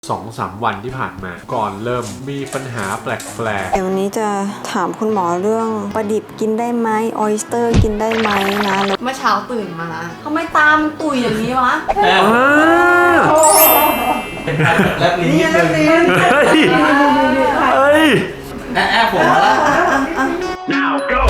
2-3 วันที่ผ่านมาก่อนเริ่มมีปัญหาแปลกเดี๋ยววันนี้จะถามคุณหมอเรื่องปลาดิบกินได้ไหมออยสเตอร์กินได้ไหมนะเมื่อเช้าตื่นมาทำไมตามันตุยอย่างนี้วะเป็นการแลบลิ้นนิดนึงเฮ้ยแอบผมมาแล้ว Now go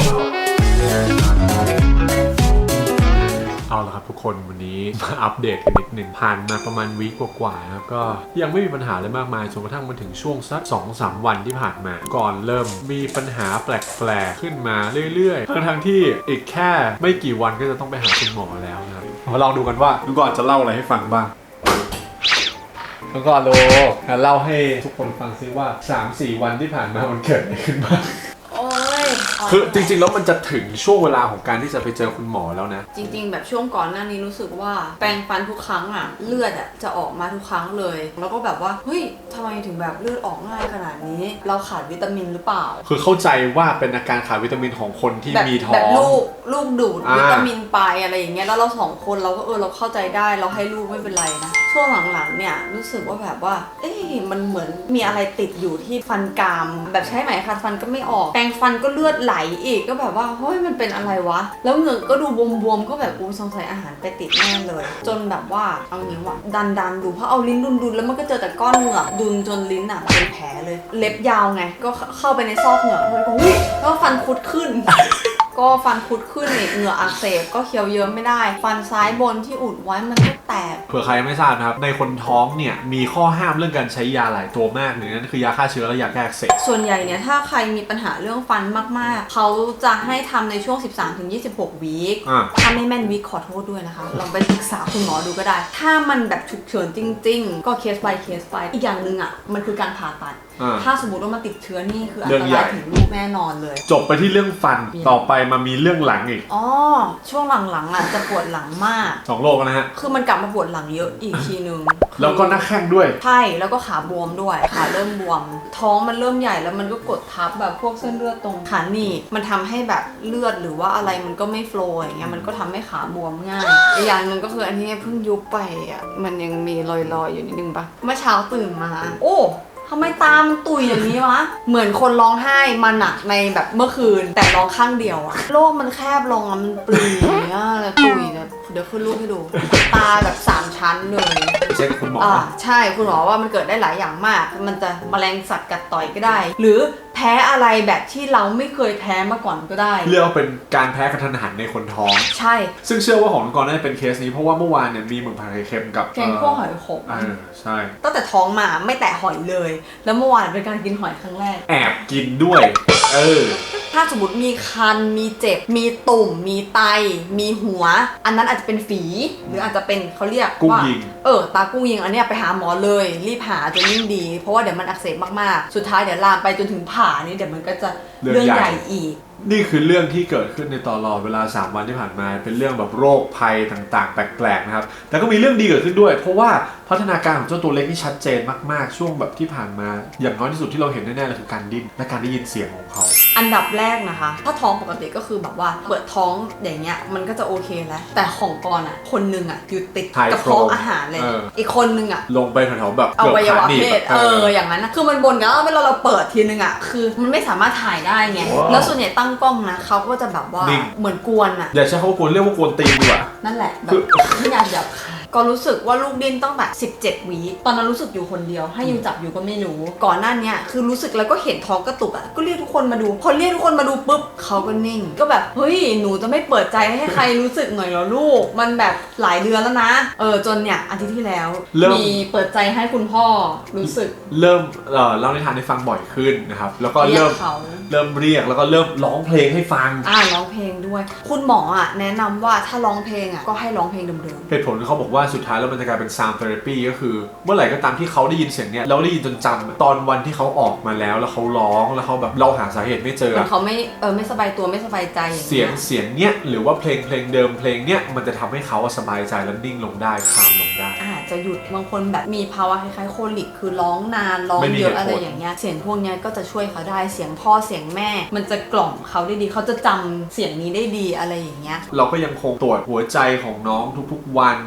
เอาละครับทุกคนวันนี้มาอัปเดตกันนิดหนึ่งผ่านมาประมาณวีคกว่าๆครับก็ยังไม่มีปัญหาอะไรมากมายจนกระทั่งมาถึงช่วงสัก 2-3 วันที่ผ่านมาก่อนเริ่มมีปัญหาแปลกๆขึ้นมาเรื่อยๆทั้งที่อีกแค่ไม่กี่วันก็จะต้องไปหาคุณหมอแล้วนะครับมาลองดูกันว่าลุงก่อนจะเล่าอะไรให้ฟังบ้างลุงก่อนเล่าให้ทุกคนฟังซิว่า 3-4 วันที่ผ่านมามันเกิดอะไรขึ้นบ้างคือจริงๆแล้วมันจะถึงช่วงเวลาของการที่จะไปเจอคุณหมอแล้วนะจริงๆแบบช่วงก่อนหน้านี้รู้สึกว่าแปรงฟันทุกครั้งอ่ะเลือดอ่ะจะออกมาทุกครั้งเลยแล้วก็แบบว่าเฮ้ยทำไมถึงแบบเลือดออกง่ายขนาดนี้เราขาดวิตามินหรือเปล่าคือเข้าใจว่าเป็นอาการขาดวิตามินของคนที่มีท้องแบบลูกดูดวิตามินไปอะไรอย่างเงี้ยแล้วเรา2 คนเราก็เราเข้าใจได้เราให้ลูกไม่เป็นไรนะช่วงหลังๆเนี่ยรู้สึกว่าแบบว่ามันเหมือนมีอะไรติดอยู่ที่ฟันกรามแบบใช้ไหมขัดฟันก็ไม่ออกแปรงฟันก็เลือดไหลอีกก็แบบว่าเฮ้ยมันเป็นอะไรวะแล้วเหงือกก็ดูบวมๆก็แบบสงสัยอาหารไปติดแน่เลยจนแบบว่าเอางี้ว่าดันดูเพราะเอาลิ้นดุนแล้วมันก็เจอแต่ก้อนเหงือกดุนจนลิ้นอ่ะเป็นแผลเลยเล็บยาวไงก็เข้าไปในซอกเหงือกแล้วก็อุ้ยแล้วฟันคุดขึ้น ก็ฟันคุดขึ้นเหงื่ออักเสบก็เคี้ยวเยิ้มไม่ได้ฟันซ้ายบนที่อุดไว้มันก็แตกเผื่อใครไม่ทราบนะครับในคนท้องเนี่ยมีข้อห้ามเรื่องการใช้ยาหลายตัวมากหนึ่งนั่นคือยาฆ่าเชื้อและยาแก้อักเสบส่วนใหญ่เนี่ยถ้าใครมีปัญหาเรื่องฟันมากๆเขาจะให้ทำในช่วง 13-26 วีคถ้าไม่แม่นวีคขอโทษด้วยนะคะลองไปศึกษาคุณหมอดูก็ได้ถ้ามันแบบฉุกเฉินจริงๆก็เคส by เคสไปอีกอย่างหนึ่งอ่ะมันคือการผ่าตัดถ้าสมมติว่ามาติดเชื้อนี่คืออันตรายถึงลูกแน่นอนเลยจบไปที่เรื่องฟันต่อไปมามีเรื่องหลังอีกช่วงหลังๆอ่ะจะปวดหลังมาก 2 โรคนะฮะคือมันกลับมาปวดหลังเยอะอีกทีนึงแล้วก็หน้าแข้งด้วยใช่แล้วก็ขาบวมด้วยขาเริ่มบวมท้องมันเริ่มใหญ่แล้วมันก็กดทับแบบพวกเส้นเลือดตรงขาหนีบมันทำให้แบบเลือดหรือว่าอะไรมันก็ไม่โฟลว์อย่างเงี้ยมันก็ทำให้ขาบวมง่ายอีกอย่างนึงก็คืออันนี้เพิ่งยุบไปอ่ะมันยังมีรอยๆอยู่นิดนึงปะเมื่อเช้าตื่นมาโอ้ทำไมตามันตุยอย่างนี้วะเหมือนคนร้องไห้มาหนักในแบบเมื่อคืนแต่ร้องข้างเดียวอะโลกมันแคบลงอะมันปรีอย่างเงี้ยเลยตุยแบบเดี๋ยวขึ้นรูปให้ดูตาแบบ3 ชั้นเลยเช็คคุณหมอใช่คุณหมอว่ามันเกิดได้หลายอย่างมากมันจะแมลงสัตว์กัดต่อยก็ได้หรือแพ้อะไรแบบที่เราไม่เคยแพ้มาก่อนก็ได้เรียกว่าเป็นการแพ้กระทันหันในคนท้องใช่ซึ่งเชื่อว่าของน้องกรน่าจะเป็นเคสนี้เพราะว่าเมื่อวานเนี่ยมีหมึกผัดไข่เค็มกับแกงคั่วหอยขมใช่ตั้งแต่ท้องมาไม่แตะหอยเลยแล้วเมื่อวานเป็นการกินหอยครั้งแรกแอบกินด้วยถ้าสมมติมีคันมีเจ็บมีตุ่มมีไตมีหัวอันนั้นอาจจะเป็นฝีหรืออาจจะเป็นเขาเรียกว่าตากุ้งยิงอันนี้ไปหาหมอเลยรีบหาจะยิ่งดีเพราะว่าเดี๋ยวมันอักเสบมากๆสุดท้ายเดี๋ยวลามไปจนถึงผ่านี่เดี๋ยวมันก็จะเรื่องใหญ่อีกนี่คือเรื่องที่เกิดขึ้นในตลอดเวลา3 วันที่ผ่านมาเป็นเรื่องแบบโรคภัยต่างๆแปลกๆนะครับแต่ก็มีเรื่องดีเกิดขึ้นด้วยเพราะว่าพัฒนาการของเจ้าตัวเล็กนี่ชัดเจนมากๆช่วงแบบที่ผ่านมาอย่างน้อยที่สุดที่เราเห็นแน่ๆเลยคือการดิ้นและการได้ยินเสียงของเขาอันดับแรกนะคะถ้าท้องปกติก็คือแบบว่าเปิดท้องอย่างเงี้ยมันก็จะโอเคแล้วแต่ของกรคนนึงอ่ะอยู่ติดกระเพาะอาหารเลยอีกคนนึงอ่ะลงไปแถวๆแบบอวัยวะเพศอย่างนั้นนะคือมันบนกันแล้วเวลาเราเปิดทีนึงอ่ะคือมันไม่สามารถถ่ายได้ไงแล้วส่วนใหญ่ตั้งกล้องนะเขาก็จะแบบว่าเหมือนกวนอ่ะอย่าใช้คำว่ากวนเรียกว่ากวนตีนดีกว่านั่นแหละแบบไม่อยากหยาบคายก็รู้สึกว่าลูกดิ้นตั้งแต่17 วีตอนนั้นรู้สึกอยู่คนเดียวให้ยูจับอยู่ก็ไม่รู้ก่อนหน้านี้คือรู้สึกแล้วก็เห็นท้องกระตุกอ่ะก็เรียกทุกคนมาดูพอเรียกทุกคนมาดูปุ๊บเขาก็นิ่งก็แบบเฮ้ยหนูจะไม่เปิดใจให้ใครรู้สึกหน่อยเหรอลูกมันแบบหลายเดือนแล้วนะจนเนี่ยอาทิตย์ที่แล้วมีเปิดใจให้คุณพ่อรู้สึกเริ่มเล่านิทานให้ฟังบ่อยขึ้นนะครับแล้วก็เริ่มเรียกแล้วก็เริ่มร้องเพลงให้ฟังร้องเพลงด้วยคุณหมออ่ะแนะนำว่าถ้าร้องเพลงอ่ะก็ให้ร้องเพลงเดิมๆเหตุผลเขาบอกว่าสุดท้ายแล้วมันจะกลายเป็น sound therapy ก็คือเมื่อไหร่ก็ตามที่เขาได้ยินเสียงเนี้ยแล้วได้ยินจนจำตอนวันที่เขาออกมาแล้วเขาร้องแล้วเขาแบบเราหาสาเหตุไม่เจอเขาไม่สบายตัวไม่สบายใจอย่างเสียงเนี้ยหรือว่าเพลงเดิมเพลงเนี้ยมันจะทำให้เขาสบายใจและนิ่งลงได้คามลงได้จะหยุดบางคนแบบมีภาวะคล้ายๆโคลิกคือร้องนานร้องเยอะอะไรอย่างเงี้ยเสียงพวกนี้ก็จะช่วยเขาได้เสียงพ่อเสียงแม่มันจะกล่อมเขาได้ดีเขาจะจำเสียงนี้ได้ดีอะไรอย่างเงี้ยเราก็ยังคงตรวจหัวใจของน้องทุกๆวันเขาจะเล่น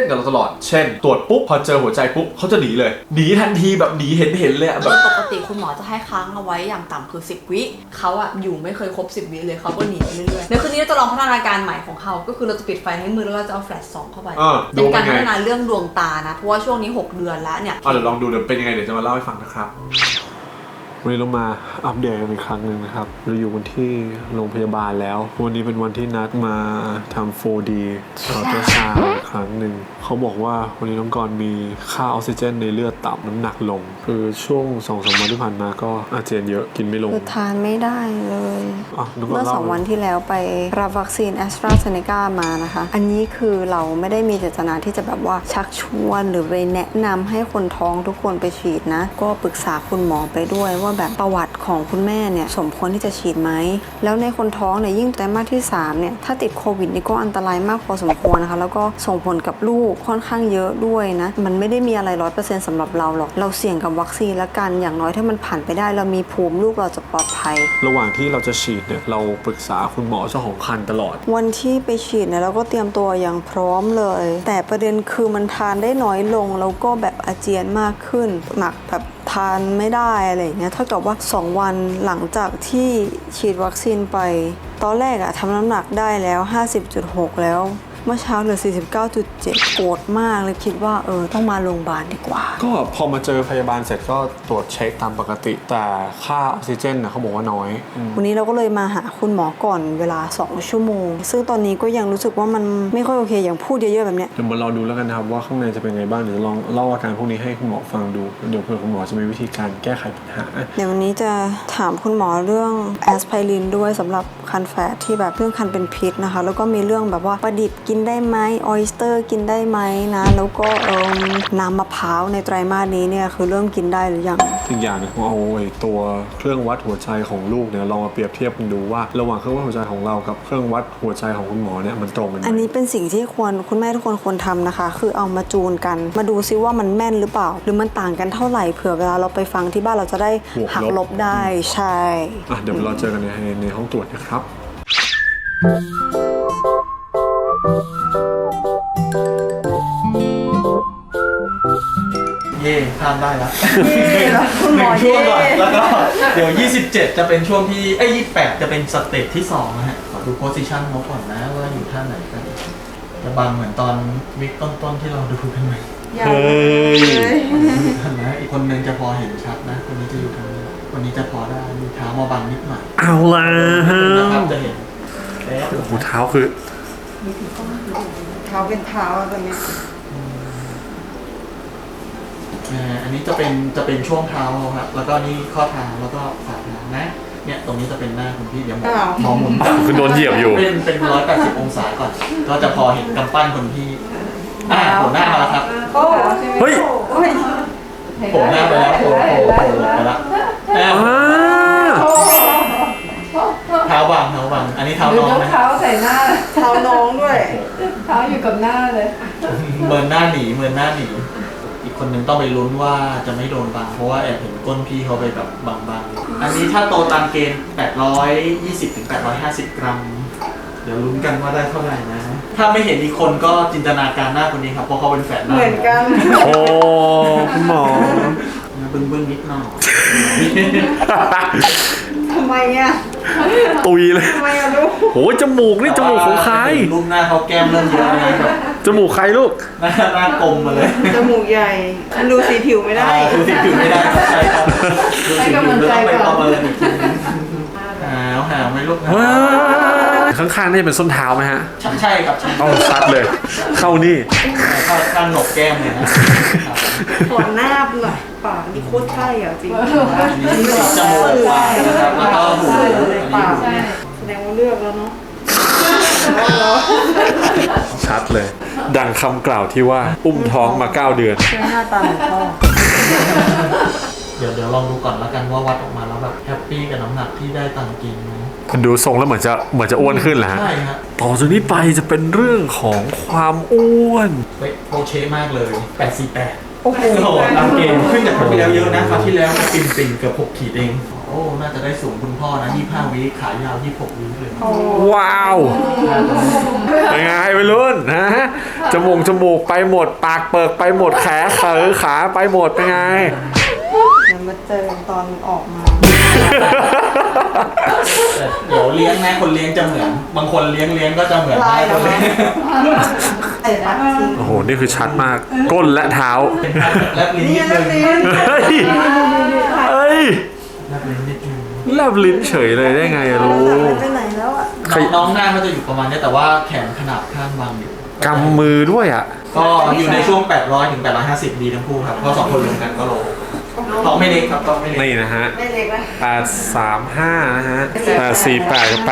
กับเราตลอดเช่นตรวจปุ๊บพอเจอหัวใจปุ๊บเขาจะหนีเลยหนีทันทีแบบหนีเห็นเลยแบบปกติคุณหมอจะให้ค้างเอาไว้อย่างต่ำคือ10 วิเขาอะอยู่ไม่เคยครบ10 วิเลยเขาก็หนีไปเรื่อยๆในคืนนี้เราจะลองพัฒนาการใหม่ของเขาก็คือเราจะปิดไฟในมือแล้วเราจะเอาแฟลชส่องเข้าไปเป็นการพัฒนาเรื่องดวงตานะเพราะว่าช่วงนี้6 เดือนแล้วเนี่ยเดี๋ยวลองดูเดี๋ยวเป็นยังไงเดี๋ยวจะมาเล่าให้ฟังนะครับวันนี้เรามาอัปเดตกันอีกครั้งหนึ่งนะครับเราอยู่กันที่โรงพยาบาลแล้ววันนี้เป็นวันที่นัดมาทำ 4D อัลตราซาวด์อีกครั้งหนึ่งเขาบอกว่าวันนี้น้องกรมีค่าออกซิเจนในเลือดต่ำน้ำหนักลงคือช่วง 2-3 วันที่ผ่านมาก็อาเจียนเยอะกินไม่ลงคือทานไม่ได้เลยเมื่อ 2 วันที่แล้วไปรับวัคซีนแอสตราเซเนกามานะคะอันนี้คือเราไม่ได้มีเจตนาที่จะแบบว่าชักชวนหรือไปแนะนำให้คนท้องทุกคนไปฉีดนะก็ปรึกษาคุณหมอไปด้วยว่าแบบประวัติของคุณแม่เนี่ยสมควรที่จะฉีดไหมแล้วในคนท้องเนี่ยยิ่งไตรมาสที่3เนี่ยถ้าติดโควิดนี่ก็อันตรายมากพอสมควรนะคะแล้วก็ส่งผลกับลูกค่อนข้างเยอะด้วยนะมันไม่ได้มีอะไร 100% สำหรับเราหรอกเราเสี่ยงกับวัคซีนละกันอย่างน้อยถ้ามันผ่านไปได้เรามีภูมิลูกเราจะปลอดภัยระหว่างที่เราจะฉีดเนี่ยเราปรึกษาคุณหมอเจ้าของครรภ์ตลอดวันที่ไปฉีดเนี่ยเราก็เตรียมตัวอย่างพร้อมเลยแต่ประเด็นคือมันทานได้น้อยลงแล้วก็แบบอาเจียนมากขึ้นหนักแบบทานไม่ได้อะไรอย่างเงี้ยเท่ากับว่า2 วันหลังจากที่ฉีดวัคซีนไปตอนแรกอะทำน้ำหนักได้แล้ว 50.6 แล้วเมื่อเช้าเหลือ 49.7 โกรธมากเลยคิดว่าต้องมาโรงพยาบาลดีกว่าก็พอมาเจอพยาบาลเสร็จก็ตรวจเช็คตามปกติแต่ค่าออกซิเจนนะเขาบอกว่าน้อยวันนี้เราก็เลยมาหาคุณหมอก่อนเวลา2 ชั่วโมงซึ่งตอนนี้ก็ยังรู้สึกว่ามันไม่ค่อยโอเคอย่างพูดเยอะๆแบบเนี้ยเดี๋ยวมาเราดูแล้วกันนะครับว่าข้างในจะเป็นไงบ้างเดี๋ยวลองเล่าอาการพวกนี้ให้คุณหมอฟังดูเดี๋ยวเผื่อคุณหมอจะมีวิธีการแก้ไขปัญหาเดี๋ยววันนี้จะถามคุณหมอเรื่องแอสไพรินด้วยสำหรับคันแฝดที่แบบเรื่องคันเป็นพิษนะคะแล้วก็มีเรื่องแบบว่าปลาดิบกินได้ไหมออยสเตอร์กินได้ไหมนะแล้วก็น้ำมะพร้าวในไตรมาสนี้เนี่ยคือเริ่มกินได้หรือยังอีกอย่างนึงเอาตัวเครื่องวัดหัวใจของลูกเนี่ยลองมาเปรียบเทียบกันดูว่าระหว่างเครื่องวัดหัวใจของเรากับเครื่องวัดหัวใจของคุณหมอเนี่ยมันตรงกันไหมอันนี้เป็นสิ่งที่คุณแม่ทุกคนควรทำนะคะคือเอามาจูนกันมาดูซิว่ามันแม่นหรือเปล่าหรือมันต่างกันเท่าไหร่เผื่อเวลาเราไปฟังที่บ้านเราจะได้หักลบได้ใช่เดี๋ยวเราเจอกันในห้องตรวจนะครับเย่ข้ามได้แล้ว1 ช่วงก่อนแล้วก็เดี๋ยว27จะเป็นช่วงที่28จะเป็นสเต็ปที่2นะฮะขอดูโพสิชันเขาก่อนนะว่าอยู่ท่าไหนกันจะบังเหมือนตอนวิกต้นๆที่เราดูกันไหมเฮ้ยนะอีกคนนึงจะพอเห็นชัดนะคนนี้จะอยู่ทางนี้คนนี้จะพอได้มีเท้ามาบังนิดหน่อยเอาละนะครับจะเห็นหูเท้าคือเท้าเป็นเท้าตอนนี้อันนี้จะเป็นช่วงเท้าครับแล้วก็นี่ข้อเท้าแล้วก็ฝ่าเท้านะเนี่ยตรงนี้จะเป็นหน้าคุณพี่เดี๋ยวมองหมุนคือโดนเหยียบอยู่เป็น180 องศาก่อนก็จะพอเห็นกำปั้นคนพี่ผมหน้ามาแล้วครับเฮ้ยผมหน้าไปแล้วผมไปแล้วเท้าวางอันนี้เท้าน้องนะเท้าใส่หน้าเท้าน้องด้วยเท้าอยู่กับหน้าเลยเมินหน้าหนีอีกคนนึงต้องไปลุ้นว่าจะไม่โดนบังเพราะว่าแอบเห็นก้นพี่เขาไปแบบบางอันนี้ถ้าโตตามเกณฑ์820 ถึง 850 กรัมเดี๋ยวลุ้นกันว่าได้เท่าไหร่นะถ้าไม่เห็นอีกคนก็จินตนาการหน้าคนนี้ครับเพราะเขาเป็นแฝดเหมือนกันโอ้คุณหมอบึ้งนิดหน่อยทำไมอ่ะตุยเลยทำไมอ่ะลูกโอ้จมูกนี่จมูกของใครรูปหน้าเขาแก้มเริ่มเยอะเลยแบบจมูกใครลูกหน้ากลมมาเลยจมูกใหญ่ดูสีผิวไม่ได้ดูสีผิวไม่ได้ใช่ครับดูสีผิวต้องไปประเมินอีกทีนึงหาวไหมลูกข้างๆนี่เป็นส้นเท้าไหมฮะใช่ครับต้องชัดเลยเข้านี่ข้างหนกแก้มเนี่ยนะขอหน้าหน่อยปากนี่โคตรใช่อ่ะจริงนี่จมูกปากนะครับแล้วก็หูปากแสดงว่าเลือกแล้วเนาะชัดเลยดังคำกล่าวที่ว่าอุ้มท้องมา9 เดือนหน้าตาของพ่อเดี๋ยวลองดูก่อนแล้วกันว่าวัดออกมาแล้วแบบแฮปปี้กับน้ำหนักที่ได้ตามกินไหมมันดูทรงแล้วเหมือนจะอ้วนขึ้นแหละใช่ครับต่อจากนี้ไปจะเป็นเรื่องของความอ้วนโอเคมากเลย848 โอ้โหโอ้โหตามเกณฑ์ขึ้นจากคราวที่แล้วเยอะนะคราวที่แล้วปิ่นเกือบ6 ขีดเองโอ้น่าจะได้สูงคุณพ่อนะ25 วิขายาว26 วิเลยว้าวเป็นไงไปรุ่นฮะจมูกไปหมดปากเปิกไปหมดแขนขาไปหมดเป็นไงเดี๋ยวมาเจอตอนออกมาแต่เดี๋ยวเลี้ยงนะคนเลี้ยงจะเหมือนบางคนเลี้ยงก็จะเหมือนลายเหรคอนเลี้ยงเอ็ดนะจริงโอ้โหนี่คือชัดมากก้นและเท้าเป็นการแลบลิ้นนิดนึงเฮ้ยเฮ้ยแลบลิ้นนิดนึงแลบลิ้นเฉยเลยได้ไงอะลูกไปไหนแล้วอ่ะน้องหน้าเขาจะอยู่ประมาณนี้แต่ว่าแขนขนาบข้างบางอยู่กำมือด้วยอ่ะก็อยู่ในช่วง800 ถึง 850 ดีทั้งคู่ครับเพราะ2 คนรวมกันก็โลท้องไม่เล็กครับท้องไม่เล็กนี่นะฮะไม่เล็กนะ 835นะฮะ848กับ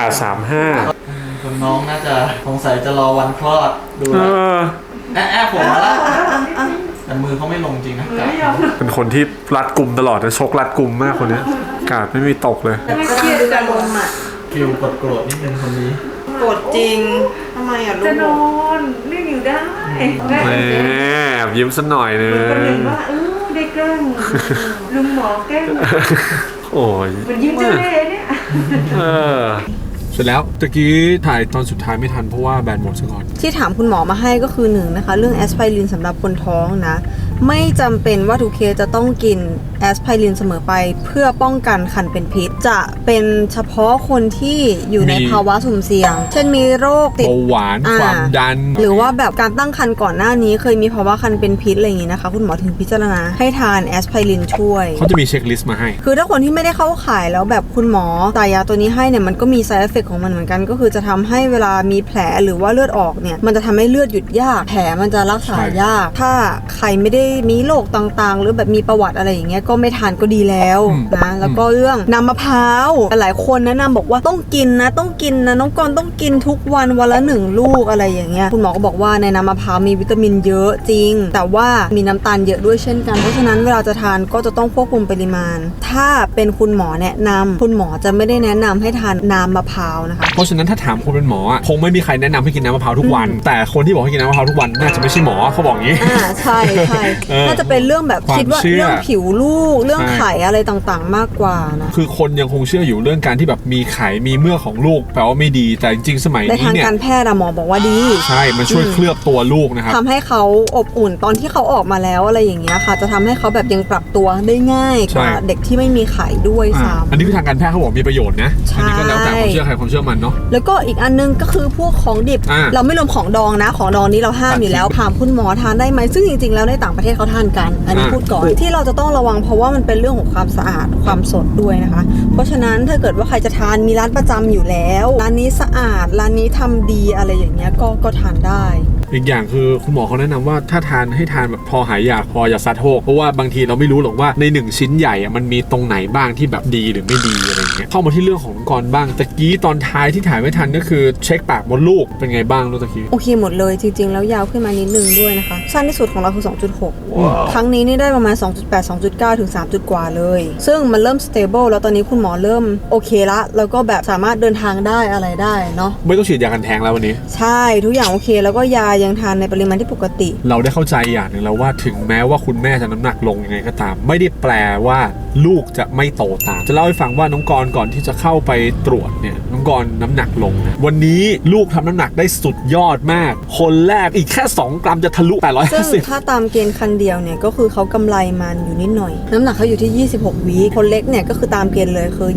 835 คนน้องน่าจะสงสัยจะรอวันคลอดดูเอแล้วอแอบผมมาแล้วแต่มือเขาไม่ลงจริงนะกาดเขาเป็นคนที่รัดกลุ่มตลอดนะชกรัดกลุ่มมากคนเนี้ยกาดไม่มีตกเลยไม่เครียดจะลมอ่ะฟิลโกรธนิดนึงคนนี้โกรธจริงทำไมอ่ะลูจะนกอนเรียกอยู่ได้แม่แหมแอบยิ้มสักหน่อยนึมันก็เห็งนว่าได้แกล้งลุงหมอแกล้งโอ้ยมันยิ้มเจ้าเล่ห์เนี่ยเออเสร็จแล้วตะกี้ถ่ายตอนสุดท้ายไม่ทันเพราะว่าแบตหมดซะก่อนที่ถามคุณหมอมาให้ก็คือหนึ่งนะคะ เรื่องแอสไพรินสำหรับคนท้องนะ ไม่จำเป็นว่าทุกเคสจะต้องกินแอสไพรินเสมอไปเพื่อป้องกันคันเป็นพิษ จะเป็นเฉพาะคนที่อยู่ในมีภาวะสุ่มเสี่ยง เช่นมีโรคติดเบาหวานอ่าความดันหรือว่าแบบการตั้งครรภ์ก่อนหน้านี้เคยมีภาวะคันเป็นพิษอะไรอย่างนี้นะคะ คุณหมอถึงพิจารณาให้ทานแอสไพรินช่วยเขาจะมีเช็คลิสต์มาให้คือถ้าคนที่ไม่ได้เข้าข่ายแล้วแบบคุณหมอตายาตัวนี้ให้เนี่ยมันก็มี side effect ของมันเหมือนกันก็คือจะทำให้เวลามีแผลหรือว่าเลือดออกเนี่ยมันจะทำให้เลือดหยุดยากแผลมันจะรักษายาก ถ้าใครไม่ได้มีโรคต่างๆ หรือแบบมีประวัติอะไรอย่างเงี้ยก็ไม่ทานก็ดีแล้วอืมนะแล้วก็เรื่องน้ำมะพร้าวหลายคนแนะนำบอกว่าต้องกินนะน้องกรณ์ต้องกินทุกวันวันละ1 ลูกอะไรอย่างเงี้ยคุณหมอก็บอกว่าในน้ำมะพร้าวมีวิตามินเยอะจริง แต่ว่ามีน้ำตาลเยอะด้วยเช่นกันเพราะฉะนั้นเวลาจะทานก็จะต้องควบคุมปริมาณ ถ้าเป็นคุณหมอแนะนำคุณหมอจะไม่ได้แนะนำให้ทานน้ำมะพร้าวนะคะเพราะฉะนั้นถ้าถามคนเป็นหมออ่ะคงไม่มีใครแนะนำให้กินน้ำมะพร้าวทุกวัน แต่คนที่บอกให้กินน้ำมะพร้าวทุกวันน่าจะไม่ใช่หมอเขาบอกอย่างนี้ใช่เออน่าจะเป็นเรื่องแบบความคิดว่าเชื่อเรื่องผิวลูกเรื่องใช่ไข่อะไรต่างๆ มากกว่านะคือคนยังคงเชื่ออยู่เรื่องการที่แบบมีไข่มีเมือกของลูกแปลว่าไม่ดี แต่จริงๆสมัยในนี้ทางเนี่ยการแพทย์อะหมอบอกว่าดีใช่มันช่วยเคลือบตัวลูกนะครับทำให้เขาอบอุ่นตอนที่เขาออกมาแล้วอะไรอย่างเงี้ยค่ะ จะทำให้เขาแบบยังปรับตัวได้ง่ายกว่าใช่เด็กที่ไม่มีไข่ด้วยอ่าซ้ำอันนี้คือทางการแพทย์เขาบอกมีประโยชน์นะใช่อันี้ก็แล้วแต่ความเชื่อใครความเชื่อมันเนาะแล้วก็อีกอันนึงก็คือพวกของดิบอ่าเราไม่รวมของดองนะ ของดองนี้เราห้ามอยู่แล้วถามคุณหมอทานได้ไหมซึ่งจริงๆแล้วในต่างประเทศเขาทานกัน อันนี้อ่าพูดก่อนที่เราจะต้องระวังเพราะว่ามันเป็นเรื่องของความสะอาดความสดด้วยนะคะ เพราะฉะนั้นถ้าเกิดว่าใครจะทานมีร้านประจำอยู่แล้วร้านนี้สะอาดร้านนี้ทำดีอะไรอย่างเงี้ยก็ทานได้อีกอย่างคือคุณหมอเขาแนะนำว่าถ้าทานให้ทานแบบพอหายอยากพออย่าซัดโฮกเพราะว่าบางทีเราไม่รู้หรอกว่าใน1ชิ้นใหญ่อะมันมีตรงไหนบ้างที่แบบดีหรือไม่ดีอะไรเงี้ยเข้ามาที่เรื่องของน้องกรบ้างตะกี้ตอนท้ายที่ถ่ายไม่ทันก็คือเช็คปากมดลูกเป็นไงบ้างลูกตะกี้โอเคหมดเลยจริงๆ แล้วยาวขึ้นมานิดนึงด้วยนะคะสั้นที่สุดของเราคือ 2.6 ครั้งนี้นี่ได้ประมาณ 2.8 2.9 ถึง 3 กว่าเลย ซึ่งมันเริ่ม stable แล้วตอนนี้คุณหมอเริ่มโอเคละแล้วก็แบบสามารถเดินทางได้อะไรได้เนาะไม่ต้องฉีดยากันแท้งแล้ววันนี้ใช่ทุกอย่างโอเคแล้วก็ยายังทานในปริมาณที่ปกติเราได้เข้าใจอย่างหนึ่งแล้วว่าถึงแม้ว่าคุณแม่จะน้ำหนักลงยังไงก็ตาม ไม่ได้แปลว่าลูกจะไม่โตตามจะเล่าให้ฟังว่าน้องกรณ์ก่อนที่จะเข้าไปตรวจเนี่ยน้องกรณ์น้ำหนักลงนะวันนี้ลูกทำน้ำหนักได้สุดยอดมาก คนแรกอีกแค่2 กรัมจะทะลุซึ่ง 850 ถ้าตามเกณฑ์คันเดียวเนี่ยก็คือเขากำไรมันอยู่นิดหน่อย น้ำหนักเขาอยู่ที่ 26 วีคคนเล็กเนี่ยก็คือตามเกณฑ์เลยคือ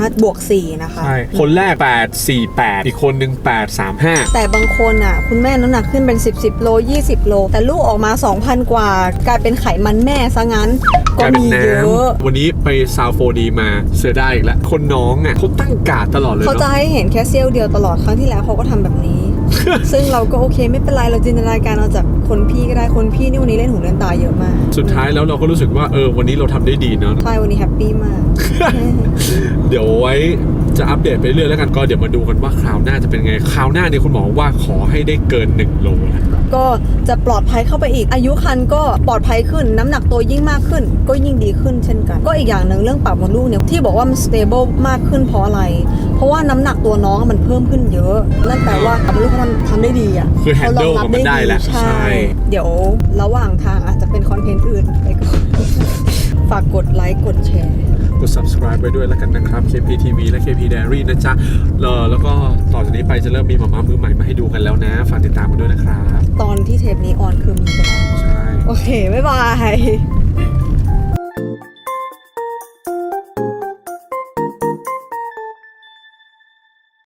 25+4 นะคะใช่คนแรก 848 อีกคนหนึ่ง835 แต่บางคนอ่ะคุณแม่น้ำหนักขึ้นเป็น10 โล 20 โล แต่ลูกออกมา 2,000 กว่ากลายเป็นไขมันแม่ซะงั้นกก็ลายเป็นมีน้เยอะำวันนี้ไปซาวโฟดีมาเสียดายอีกแล้วคนน้องอ่ะเขาตั้งการ์ดตลอดเลยเขาจะเนาะให้เห็นแค่เซี่ยวเดียวตลอดครั้งที่แล้วเขาก็ทำแบบนี้ ซึ่งเราก็โอเคไม่เป็นไรเราจินตนาการเอาจากคนพี่ก็ได้คนพี่นี่วันนี้เล่นหูเล่นตาเยอะมากสุดท้ายแล้วเราก็รู้สึกว่าวันนี้เราทำได้ดีเนาะใช่วันนี้แฮปปี้มากเดี๋ยวไว้จะอัปเดตไปเรื่อยแล้วกันก็เดี๋ยวมาดูกันว่าคราวหน้าจะเป็นไงคราวหน้าเนี่ยคุณหมอว่าขอให้ได้เกิน1 โลนะก็จะปลอดภัยเข้าไปอีกอายุครรภ์ก็ปลอดภัยขึ้นน้ำหนักตัวยิ่งมากขึ้นก็ยิ่งดีขึ้นเช่นกันก็อีกอย่างหนึ่งเรื่องปากมดลูกเนี่ยที่บอกว่ามัน stable มากขึ้นเพราะอะไรเพราะว่าน้ำหนักตัวน้องมันเพิ่มขึ้นเยอะนั่นแปลว่าปากมดลูกเขาทำได้ดีอ่ะคือ handle เขารองรับมันได้แล้วใช่ใช่เดี๋ยวระหว่างทางอาจจะเป็นคอนเทนต์อื่นไปก่อน ฝากกดไลค์กดแชร์กด subscribe ไปด้วยแล้วกันนะครับ KPTV และ KP Diary นะจ๊ะแล้วก็ต่อจากนี้ไปจะเริ่มมีหม่ามือใหม่มาให้ดูกันแล้วนะฝากติดตามกันด้วยนะครับตอนที่เทปนี้ออนคือมีไปแล้วใช่โอเค บ๊ายบาย